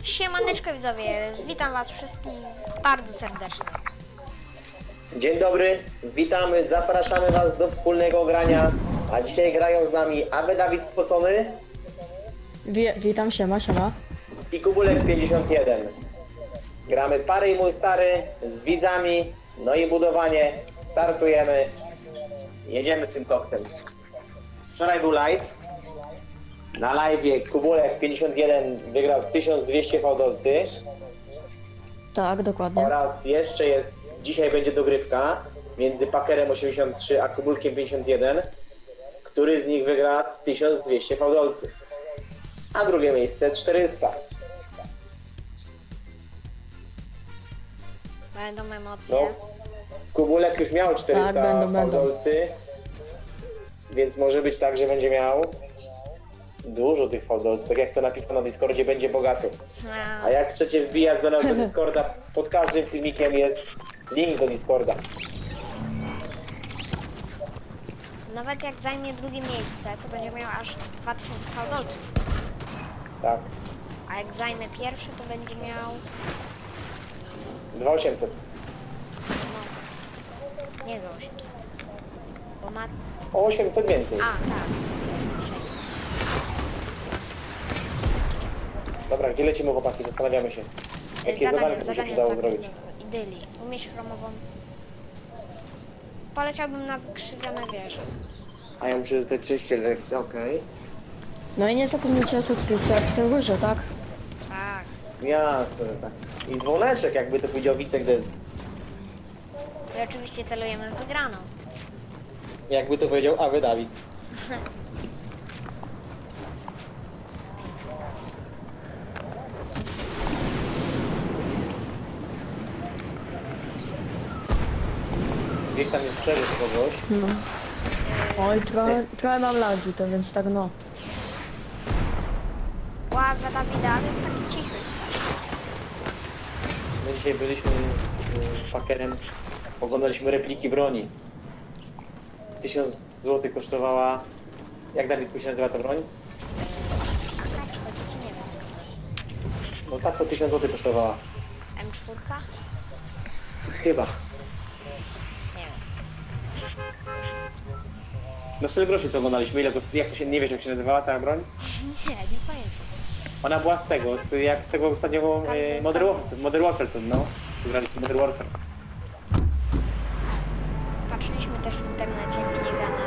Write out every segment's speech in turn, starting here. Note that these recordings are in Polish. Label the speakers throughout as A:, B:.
A: Siemaneczko widzowie, witam was wszystkich bardzo serdecznie.
B: Dzień dobry, witamy, zapraszamy was do wspólnego grania, a dzisiaj grają z nami Awe Dawid Spocony
C: Witam, siema.
B: i Kubulek 51. Gramy pary i mój stary z widzami, no i budowanie, startujemy, jedziemy z tym koksem. Wczoraj był live, na live'ie Kubulek 51 wygrał 1200 fałdolcy
C: Tak, dokładnie.
B: oraz jeszcze jest, dzisiaj będzie dogrywka między Packerem 83 a Kubulkiem 51, który z nich wygra 1200 fałdolcy, a drugie miejsce 400.
A: Będą emocje.
B: No, Kubulek już miał 400
C: Tak, będą.
B: fałdolcy, więc może być tak, że będzie miał dużo tych fałdolców. Tak jak to napisano na Discordzie, będzie bogaty. A jak chcecie wbijać do nas do Discorda, pod każdym filmikiem jest link do Discorda.
A: Nawet jak zajmie drugie miejsce, to będzie miał aż 2000 fałdolców.
B: Tak,
A: A jak zajmie pierwsze, to będzie miał...
B: 2800.
A: No, nie do 800. Bo ma...
B: O 800 więcej.
A: A, tak. 600.
B: Dobra, gdzie lecimy, chłopaki? Zastanawiamy się. Jakie zadanko by się przydało zrobić?
A: Idyli. Umieć chromową. Poleciałbym na wykrzywione wieże.
B: A ja muszę zdać 200 lekcji, okej.
C: No i nie zapomnijcie o subskrypcjach w górze, tak?
A: Tak.
B: Jasne, że tak. I dzwoneczek, jakby to powiedział Wicek Dez.
A: I oczywiście celujemy w wygraną.
B: Jakby to powiedział Awe Dawid. Gdzieś tam jest przeżyć kogoś.
C: No. Oj, trochę mam lagi, to więc tak no.
A: Ładna Dawida, ale taki cichy stary.
B: My dzisiaj byliśmy z Packerem, oglądaliśmy repliki broni. 1000 zł kosztowała... Jak Dawid się nazywa ta broń?
A: A czy chodzi ci nie wiem.
B: No ta co 1000 zł kosztowała.
A: M4?
B: Chyba.
A: Nie wiem.
B: No sobie groszy co oglądaliśmy, ile jak to się, nie wiesz jak się nazywała ta broń?
A: Nie pamiętam.
B: Ona była z tego, jak z tego ostatniego Modern Warfare, co, no? Co grali w Modern Warfare.
A: Patrzyliśmy też w internecie minigana.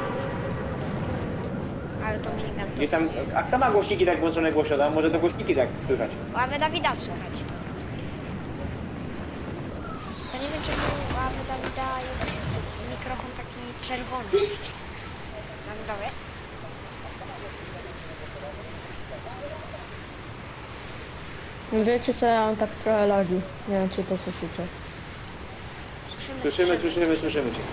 A: Ale to minigun
B: I tam, a kto ma głośniki tak włączone głośno? Może to głośniki tak słychać.
A: Ławę Dawida słychać to. Ja nie wiem czemu u Ławy Dawida jest mikrofon taki czerwony. Na zdrowie.
C: Wiecie co, ja mam tak trochę lagi. Nie wiem, czy to słyszycie.
B: Słyszymy cię.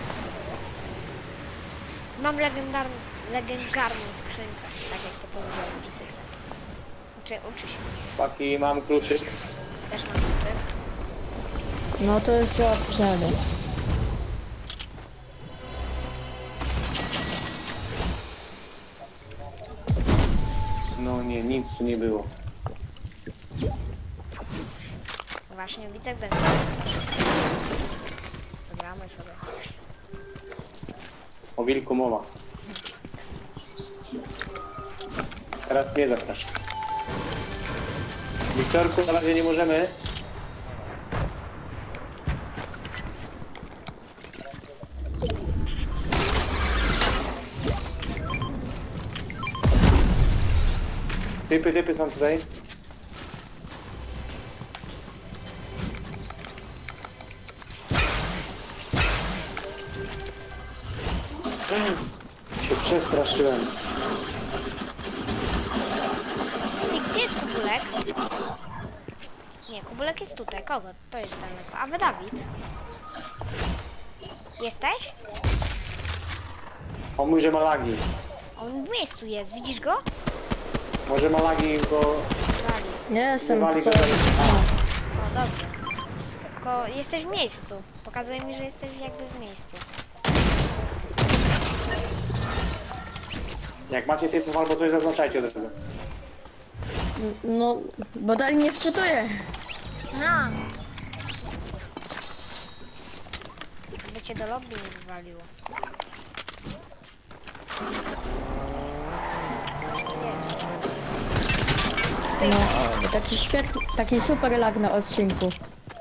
A: Mam legendarną skrzynkę, tak jak to powiedział Wicek. Uczy się.
B: Chłopaki, mam kluczyk.
A: Też mam kluczyk.
C: No to jest łatwe.
B: No nie, nic tu nie było.
A: Właśnie Wicek też. Zagramy sobie.
B: O wilku mowa. Teraz mnie zapraszam. Wiktorku, na razie nie możemy. Typy są tutaj. Się przestraszyłem.
A: Ty, gdzie jest Kubulek? Nie, Kubulek jest tutaj. Kogo? To jest daleko. A wy Dawid? Jesteś?
B: On mówi, że ma lagi.
A: On w miejscu jest, widzisz go?
B: Może ma lagi, bo
A: Wali.
C: Nie jestem
B: wywali go
C: tylko...
A: O, dobrze. Tylko jesteś w miejscu. Pokazuje mi, że jesteś jakby w miejscu.
B: Jak macie typów albo coś, zaznaczajcie od razu.
C: No, bo dalej nie wczytuję.
A: No. By cię do lobby nie wywaliło. Coś tu jest.
C: No, taki świetny, taki super lag na odcinku.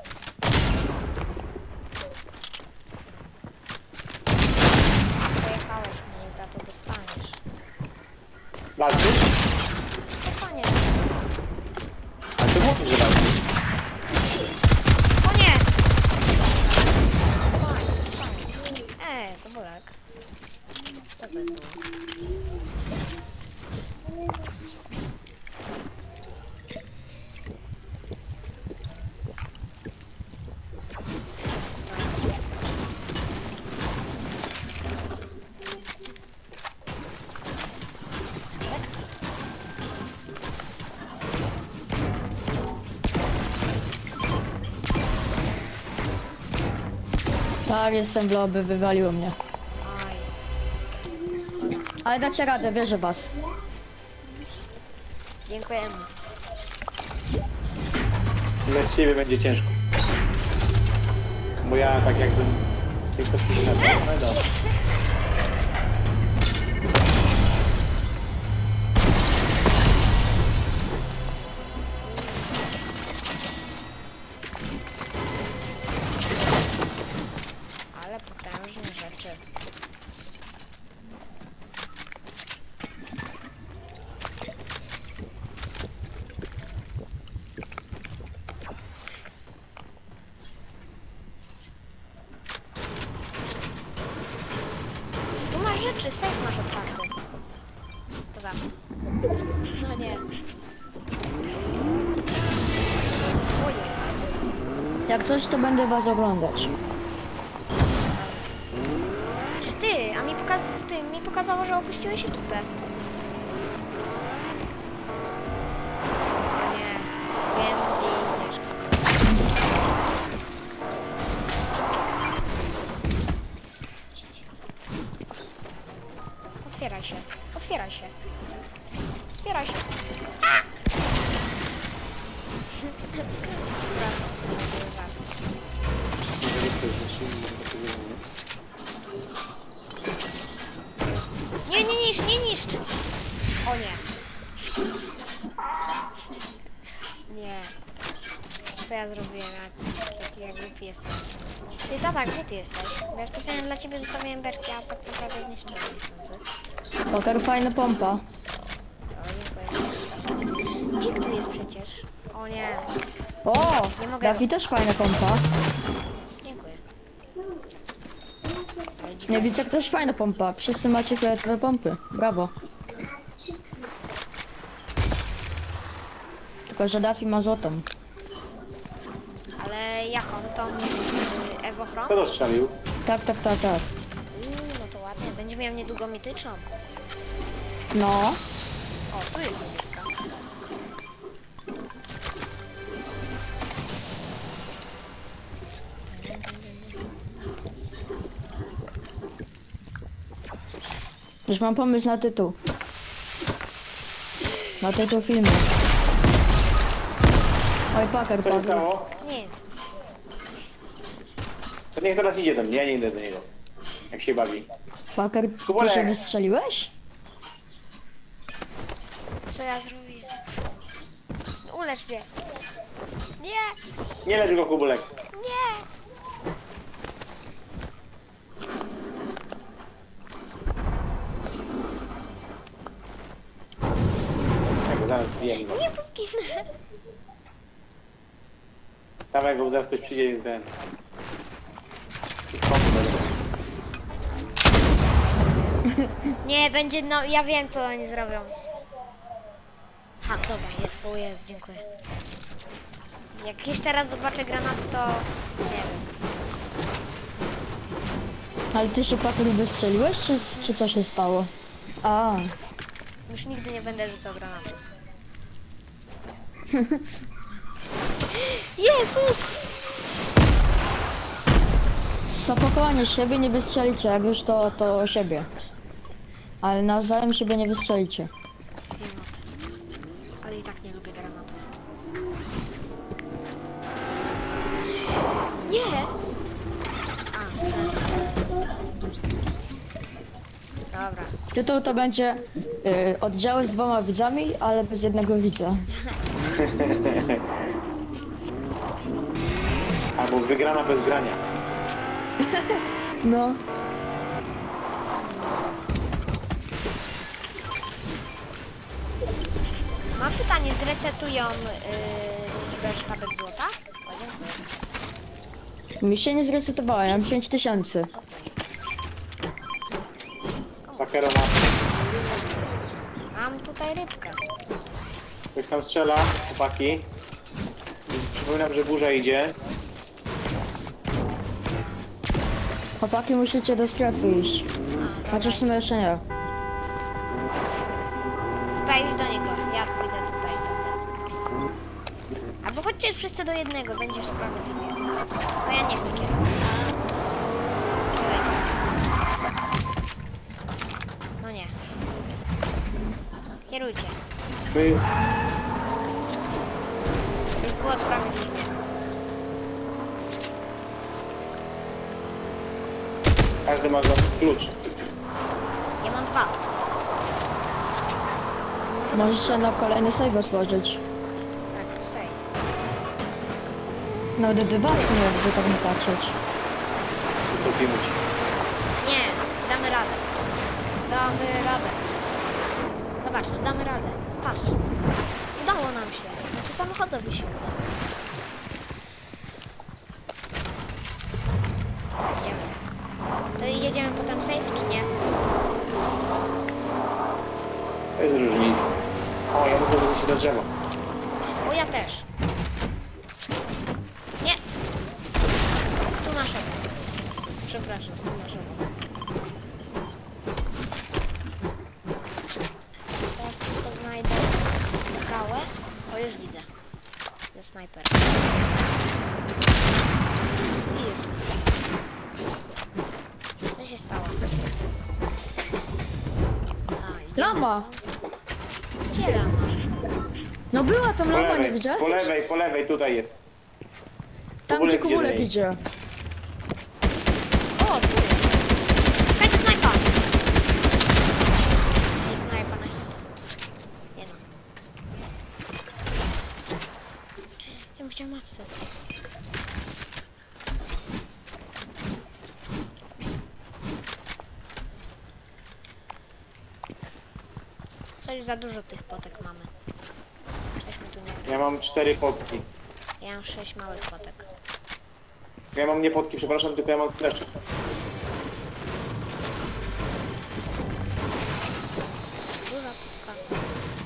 A: Pojechałeś mnie i za to dostaniesz.
B: Walczysz?
A: To koniec.
B: A ty mówisz, że walczysz.
A: O nie! To bulek. Co to było? Co się stało?
C: Tak, jestem w lobby, wywaliło mnie.
A: Aj.
C: Ale dacie radę, wierzę w was.
A: Dziękujemy.
B: Dla ciebie będzie ciężko. Bo ja tak jakbym tylko przyszedł. No i dobra.
A: Ale potężne rzeczy. Tu masz rzeczy, safe masz otwarty. Dobra. No nie. Ojej.
C: Jak coś, to będę was oglądać.
A: Ty, a mi pokazało, że opuściłeś ekipę. O nie, wiem gdzie idziesz. Otwieraj się, otwieraj się. Otwieraj się. A! Nie, nie niszcz, nie niszcz! O nie. Nie. Co ja zrobiłem, jak głupi jestem. Ty, tata, gdzie ty jesteś? Bo ja specjalnie dla ciebie zostawiłem berki, a tak naprawdę zniszczyłem niechcący.
C: Poker, fajna pompa.
A: O, dziękuję. Dzik tu jest przecież. O nie.
C: O!
A: Nie mogę.
C: Dafi też fajna pompa.
A: Dziękuję. Ale dzik...
C: Nie widzę, też fajna pompa. Wszyscy macie fioletowe pompy. Brawo. Tylko, że Dafi ma złotą.
A: Ale jaką? Tą Ewochron?
B: Kto to strzelił?
C: Tak, tak, tak, tak.
A: No to ładnie. Będzie miał niedługo mityczną.
C: No.
A: O, tu jest niebieska.
C: Już mam pomysł na tytuł. Na tytuł filmu. Oj, Paker
B: Co się
C: padł.
B: stało?
A: Nic.
B: To niech teraz idzie do mnie, ja nie idę do niego. Jak się bawi.
C: Paker, ty
B: Kubulek.
C: się wystrzeliłeś?
A: Co ja zrobię? Ulecz mnie. Nie,
B: Nie lecz go, Kubulek.
A: nie.
B: Ja go zaraz zbijem go.
A: Nie poskinę.
B: Dawaj go, bo zaraz ktoś przyjdzie i ten. I skąd będę?
A: Nie, będzie, no ja wiem co oni zrobią. Ha, dobra, jest, o jest, dziękuję. Jak jeszcze raz zobaczę granaty, to nie wiem.
C: Ale ty się, Paker, wystrzeliłeś, czy co się stało? A,
A: Już nigdy nie będę rzucał granatów. Jezus!
C: zapakowanie siebie nie wystrzelicie, jak już to siebie. Ale nawzajem siebie nie wystrzelicie.
A: Wiem o tym. Ale i tak nie lubię
C: Tytuł to będzie oddziały z 2 widzami, ale bez jednego widza.
B: Albo wygrana bez grania.
C: No.
A: Mam pytanie, zresetują ilość sztabek złota? O, dziękuję.
C: Mi się nie zresetowała, ja mam 5000.
B: Pakero ma.
A: Mam tutaj rybkę.
B: Ktoś tam strzela, chłopaki. Przypominam, że burza idzie.
C: Chłopaki, musicie do strefy iść. Chociaż w sumie jeszcze nie.
A: Tutaj już do niego. Ja pójdę tutaj. Albo chodźcie wszyscy do jednego, będzie sprawiedliwie. To ja nie chcę kierować. Kierujcie. No nie. Kierujcie.
B: To jest...
A: By było sprawiedliwie.
B: Każdy ma z was klucz.
A: Ja mam 2.
C: Możecie na kolejny save otworzyć.
A: Tak, sej.
C: Nawet 2 w sumie, jakby tak nie patrzeć.
B: Utopimy ci.
A: Nie, damy radę. Damy radę. Zobacz, damy radę. Patrz. Udało nam się. Znaczy samochodowi się udało. Jedziemy. To jedziemy potem safe, czy nie?
B: To jest różnica. O, ja muszę wrócić do drzewa.
A: O, ja też. Nie. Tu naszego. Przepraszam, tu naszego. Teraz tylko znajdę skałę. O, już widzę. Ze snajperem. I już widzę. Co się stało? A, idziemy
C: Lama!
A: tam. Gdzie lama?
C: No była tam
B: Po
C: lama, nie
B: lewej,
C: widziałeś?
B: po lewej, tutaj jest.
C: Tam
B: Kubulek
C: gdzie
B: idzie do
C: kubulek
B: niej.
C: idzie.
A: O, tu jest. Hej, snajpa! Nie snajpa na hita. Nie no. Ja bym chciał matce. Coś za dużo tych potek mamy. Coś mi tu nie...
B: Ja mam 4 potki.
A: Ja mam 6 małych potek.
B: Ja mam nie potki, przepraszam, tylko ja mam splesze.
A: Duża potka.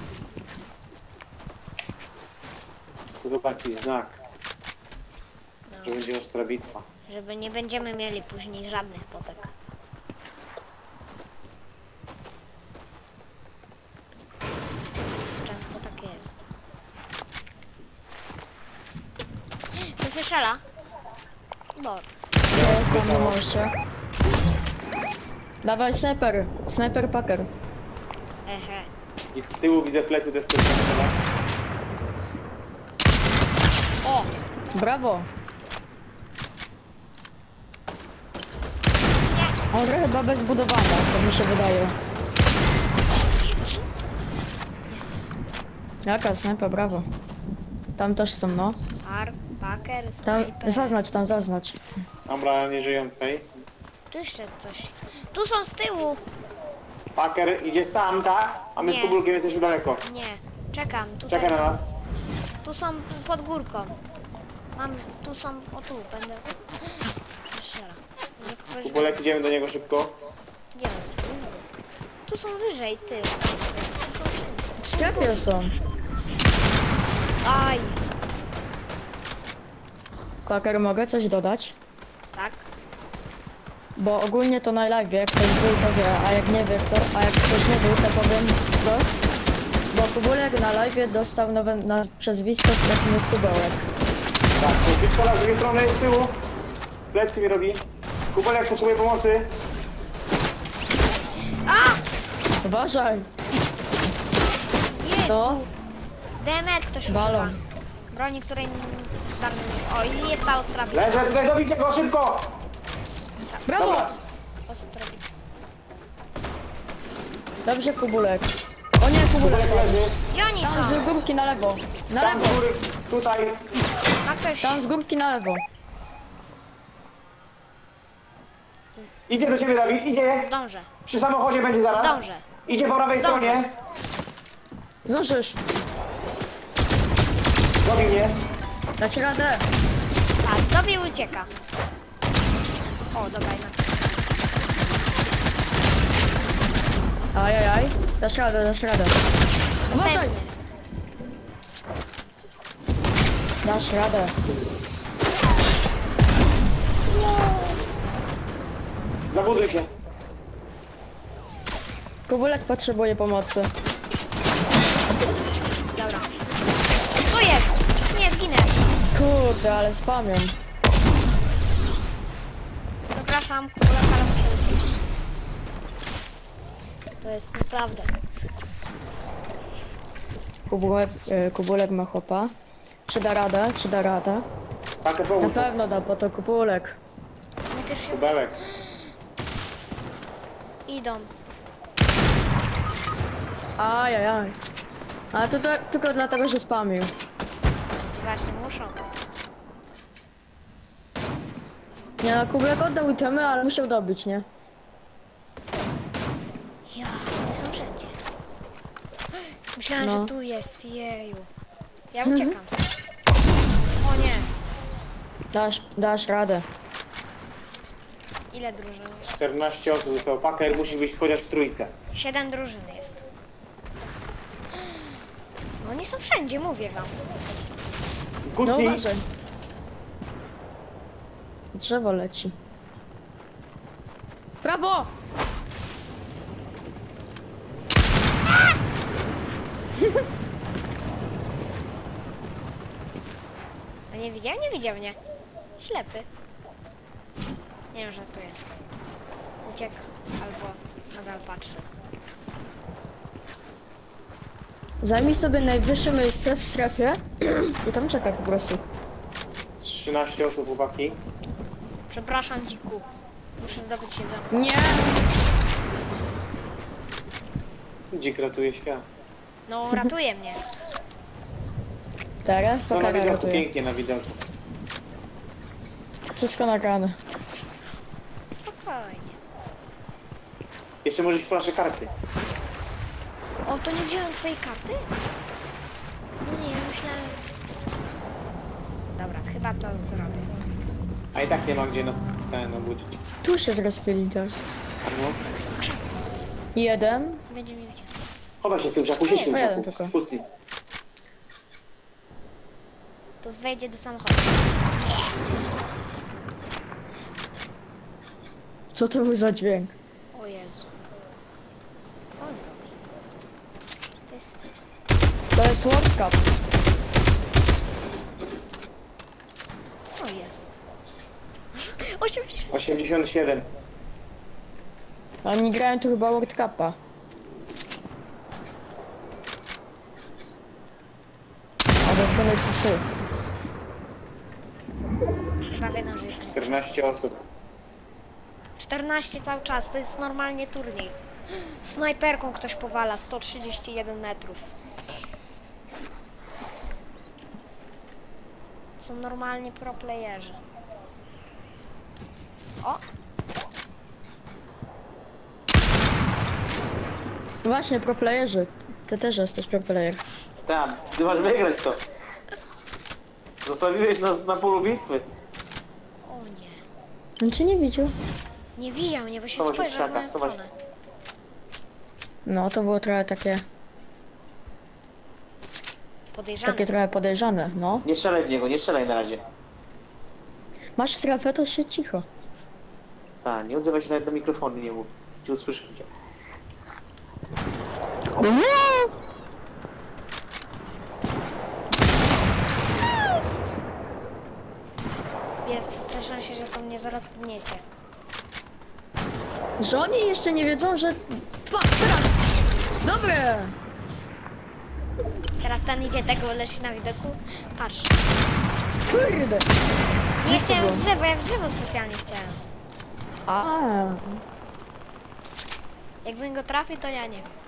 B: To chyba taki znak,
A: No,
B: że będzie ostra bitwa.
A: żeby nie będziemy mieli później żadnych potek. Często tak jest. Tu strzela. Bot.
C: Ja jestem na moście. Dawaj sniper. Sniper packer.
A: Ehe.
B: I z tyłu widzę plecy też ktoś strzela.
A: O!
C: Brawo. On chyba bez budowania, to mi się wydaje.
A: Jest.
C: Jaka sniper, brawo. Tam też są, no.
A: Packer,
C: Tam,
A: sniper.
C: zaznacz, tam zaznacz.
B: Dobra, nie żyją tutaj.
A: Tu jeszcze coś. Tu są z tyłu.
B: Packer idzie sam, tak? A my
A: Nie.
B: z Kubulkiem jesteśmy daleko.
A: Nie. Czekam. Tutaj.
B: Czeka na nas.
A: Tu są pod górką. Mam. Tu są. O tu będę. Strzela. Nie kogoś-
B: Kubulek, idziemy do niego szybko.
A: Gdzie one są? Nie widzę. Tu są wyżej, ty. Tu są wszędzie.
C: W strefie są.
A: Aj.
C: Packer, mogę coś dodać?
A: Tak.
C: Bo ogólnie to na live, jak ktoś był, to wie, a jak nie wie, to, a jak ktoś nie był, to powiem wprost. Bo Kubulek na live dostał nowe przezwisko, jakim jest Kubełek.
B: Tak, to bitwa z drugiej strony, z tyłu. Plecy mi robi. Kubulek potrzebuje pomocy.
C: Uważaj!
A: Jezu.
C: To?
A: Demet ktoś używa.
C: Balon.
A: Broni, której bardzo nie... O, i jest ta ostra bitwa.
B: Leżę tutaj, dobicie go szybko!
C: Brawo!
B: Dobra.
A: Ostra bitwa.
C: Dobrze, Kubulek. O nie, Kubulek.
B: Kubulek leży.
A: Gdzie oni
C: Tam z
A: są?
C: górki na lewo. Na
B: Tam z
C: lewo.
B: góry, tutaj.
A: Ma ktoś...
C: Tam z górki na lewo.
B: Idzie do ciebie, Dawid, idzie.
A: Zdążę.
B: Przy samochodzie będzie zaraz.
A: Zdążę.
B: Idzie po prawej
A: Zdążę.
B: stronie.
C: Zdążysz.
B: Robi mnie.
C: Dać radę.
A: Tak, tobie ucieka. O, dobra, jednak.
C: Ajajaj. Dasz radę, dasz radę. Uważaj.
A: Następny.
C: Dasz radę.
B: Zabuduj się.
C: Kubulek potrzebuje pomocy.
A: Dobra. Tu jest! Nie, zginę.
C: Kurde, ale spamią.
A: Przepraszam, Kubulek, ale muszę uciec. To jest naprawdę.
C: Kubulek ma chłopa. Czy da radę? Czy da radę?
B: Pakę
C: Na
B: pomóż.
C: pewno da, bo to Kubulek.
A: Najpierw się
B: Kubelek.
A: idą.
C: Ajajaj. Ale to tylko dlatego, że spamił.
A: Właśnie muszą.
C: Nie no, Kubulek oddał itemy, ale musiał dobić, nie?
A: Ja, one są wszędzie. Myślałem,
C: No.
A: że tu jest, jeju. Ja uciekam stąd. O nie.
C: Dasz radę.
A: Ile drużyn?
B: 14 osób zostało. Paker musi być chociaż w trójce.
A: 7 drużyn jest. No oni są wszędzie, mówię wam.
C: No
B: Kucnij.
C: uważaj. Drzewo leci. Prawo!
A: A nie widział? Nie widział mnie. Ślepy. Nie wiem, żartuję. Uciekł albo nadal patrzy.
C: Zajmij sobie najwyższe miejsce w strefie i tam czekaj po prostu.
B: 13 osób, chłopaki.
A: Przepraszam, dziku. Muszę zdobyć jedzenie.
C: Nie!
B: Dzik ratuje świat.
A: No, ratuje mnie.
C: Teraz
B: To na
C: pokara
B: widoku,
C: ratuje.
B: pięknie na widoku.
C: Wszystko nagrane.
A: Spokojnie.
B: Jeszcze może flaszę karty.
A: O, to nie wziąłem twojej karty? No nie, myślałem... Dobra, chyba to zrobię.
B: A i tak nie ma gdzie nas ten obudzić.
C: Tu się zrespili teraz.
B: No.
C: Jeden.
A: Będzie mi widział.
B: Chowaj się w tym krzaku, siedź w tym
C: Pojadę
B: krzaku.
C: tylko.
B: Pussy.
A: To wejdzie do samochodu.
C: Co to był za dźwięk?
A: O Jezu. Co on robi? To jest...
C: To jest World Cup.
A: Co jest? 80.
B: 87.
C: Oni grają tu chyba World Cupa. Albo Phoenix Sy.
A: Chyba wiedzą, że jest...
B: 14 osób.
A: 14 cały czas, to jest normalnie turniej. Snajperką ktoś powala, 131 metrów. Są normalnie pro playerzy. O!
C: Właśnie, pro playerzy. Ty też jesteś pro player.
B: Tam, ty masz wygrać to. Zostawiłeś nas na polu bitwy.
A: O nie.
C: On cię nie widział.
A: Nie widział mnie, bo się
B: Schować się w
A: spojrzał w moją
B: krzakach, schować.
A: stronę.
C: No, to było trochę takie
A: Podejrzany.
C: trochę podejrzane, no.
B: Nie strzelaj w niego, nie strzelaj na razie.
C: Masz strefę, to się cicho.
B: Tak, nie odzywaj się nawet do mikrofonu, nie mów. Ci usłyszycie.
A: Ja przestraszyłam się, że to mnie zaraz zgniecie.
C: Że oni jeszcze nie wiedzą, że... Teraz! Dobre!
A: Teraz ten idzie tego, leci na widoku. Patrz.
C: Kurde!
A: Nie
C: Jak to
A: chciałem
C: było?
A: w drzewo, ja w drzewo specjalnie chciałem.
C: A,
A: Jakbym go trafił, to ja nie wiem.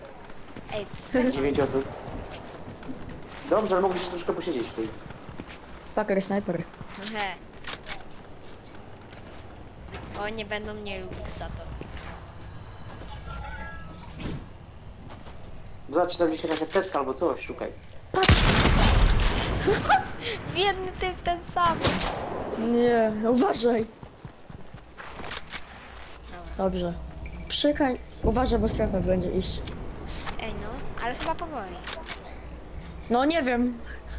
A: Ej, co?
B: 9 osób. Dobrze, ale mogliście troszkę posiedzieć w tej.
C: Paker, snajper.
A: He. O, nie będą mnie lubić za to.
B: Zobacz, tam gdzieś jakaś apteczka albo coś, szukaj.
C: Patrz!
A: Biedny typ ten sam.
C: Nie, uważaj.
A: Dobra.
C: Dobrze. Przykaj. Uważaj, bo strefa będzie iść.
A: Ej, no, ale chyba powoli.
C: No nie wiem.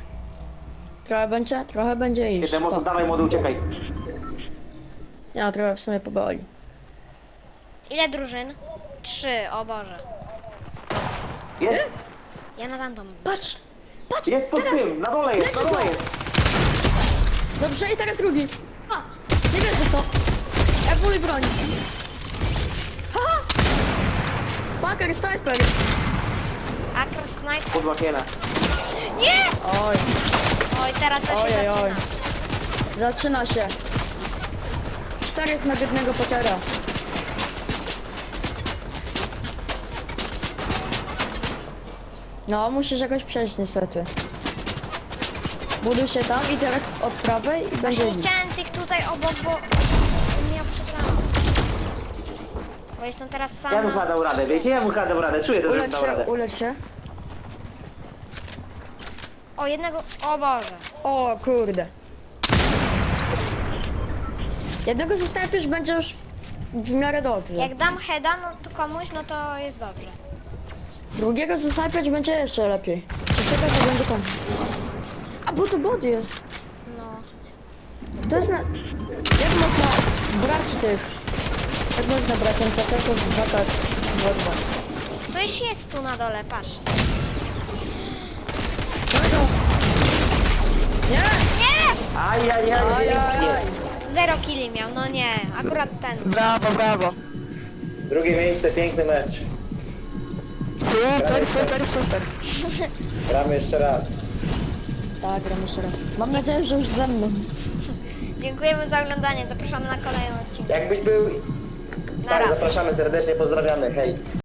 C: Trochę będzie iść.
B: 7 osób,
C: O.
B: dawaj młody, uciekaj.
C: Ja trochę w sumie powoli.
A: Ile drużyn? 3, o Boże.
B: Jest?
A: Ja na random.
C: Patrz! Patrz!
B: Jest pod
C: Teraz!
B: tym, na dole jest, na
C: Leci
B: dole
C: go!
B: jest.
C: Dobrze, i teraz drugi. A! Nie wierzę w to. Ewoluj broń. Haha! Paker, snajper.
A: Akr sniper.
B: Pod łakiena.
A: Nie!
C: Oj,
A: Oj, teraz to się
C: Ojej, oj.
A: zaczyna.
C: zaczyna się. 4 na jednego Pakera. No, musisz jakoś przejść niestety. Buduj się tam i teraz od prawej i będzie
A: Właśnie nie
C: nic.
A: chciałem tych tutaj obok, bo ja przegrałam. Bo jestem teraz
B: Ja bym chyba
A: sama.
B: dał radę, wiecie? Ja bym chyba dał radę, czuję to, że bym
C: Ulecz
B: dał
C: się,
B: radę.
C: ulecz się.
A: O, jednego... O Boże.
C: O kurde. Jednego zostawisz, będzie już w miarę dobrze.
A: Jak dam heada no, to komuś, no to jest dobrze.
C: Drugiego zostawiać będzie jeszcze lepiej. Trzeciego to będzie koniec. A bo to bot jest.
A: No.
C: To jest na... Jak można brać tych... Jak można brać NPC-ów w 2 tak... 2-2.
A: To już jest tu na dole, patrz.
C: Nie!
A: Nie!
B: Ajajaj,
C: Ajajaj.
B: pięknie.
A: 0 killi miał, no nie. Akurat ten.
C: Brawo, brawo.
B: Drugie miejsce, piękny mecz.
C: Super, super, super.
B: Gramy jeszcze raz.
C: Tak, gram jeszcze raz. Mam nadzieję, że już ze mną.
A: Dziękujemy za oglądanie. Zapraszamy na kolejny odcinek.
B: Jakbyś był...
A: Nara.
B: Tak, zapraszamy serdecznie, pozdrawiamy, hej.